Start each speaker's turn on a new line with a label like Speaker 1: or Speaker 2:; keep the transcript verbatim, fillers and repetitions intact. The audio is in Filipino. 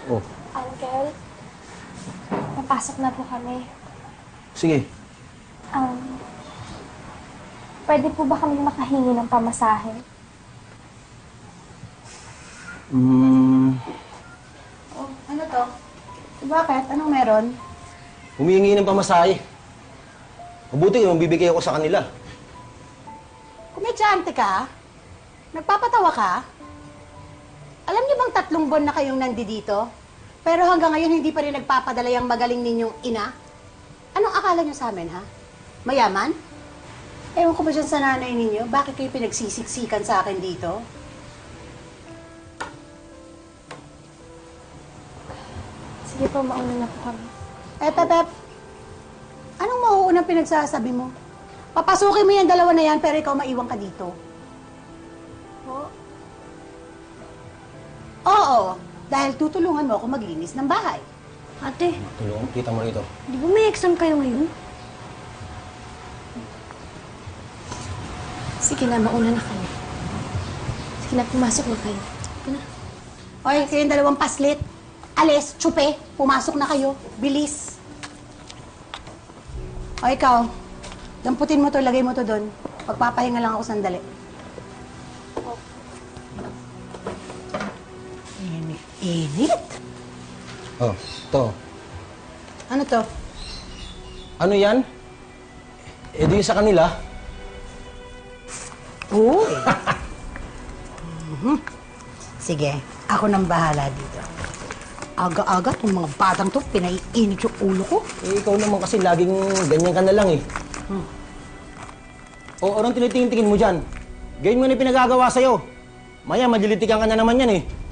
Speaker 1: Oh.
Speaker 2: Uncle, papasok na po kami.
Speaker 1: Sige.
Speaker 2: Um, pwede po ba kami makahingi ng pamasahe?
Speaker 1: Hmm...
Speaker 3: Oh, ano to? Bakit? Anong meron?
Speaker 1: Humihingi ng pamasahe. Mabuti yung bibigay ako sa kanila.
Speaker 3: Kumedyante ka? Nagpapatawa ka? Alam niyo bang tatlong buwan na kayong nandito? Pero hanggang ngayon hindi pa rin nagpapadala yung magaling ninyong ina? Anong akala niyo sa amin, ha? Mayaman? Ewan ko ba dyan sa nanay ninyo? Bakit kayo pinagsisiksikan sa akin dito?
Speaker 2: Sige po, mauna na po kami.
Speaker 3: Eh, Pepep, anong mauunang pinagsasabi mo? Papasukin mo yung dalawa na yan, pero ikaw maiwan ka dito.
Speaker 2: Po?
Speaker 3: Oo, dahil tutulungan mo ako maglinis ng bahay.
Speaker 4: Ate,
Speaker 1: Tulungan, kita mo rito.
Speaker 4: di ba may exam kayo ngayon?
Speaker 2: Sige na, mauna na kayo. Sige na, pumasok na kayo.
Speaker 3: Oy, kayong dalawang paslit. Alis, tsupe, pumasok na kayo. Bilis. O ikaw, damputin mo to, lagay mo to doon. Pagpapahinga lang ako sandali. Init. Init?
Speaker 1: Oh, to.
Speaker 3: Ano to?
Speaker 1: Ano yan? Eh, di sa kanila.
Speaker 3: Uy! Mhm. Sige, ako nang bahala dito. Aga-aga itong mga batang to, pinaiinit yung ulo ko.
Speaker 1: Eh, ikaw naman kasi laging ganyan ka na lang eh.
Speaker 3: Hmm.
Speaker 1: O, anong tinitingin-tingin mo dyan? Gawin mo na yung pinagagawa sa'yo. Maya, madilitikan ka na naman yan eh.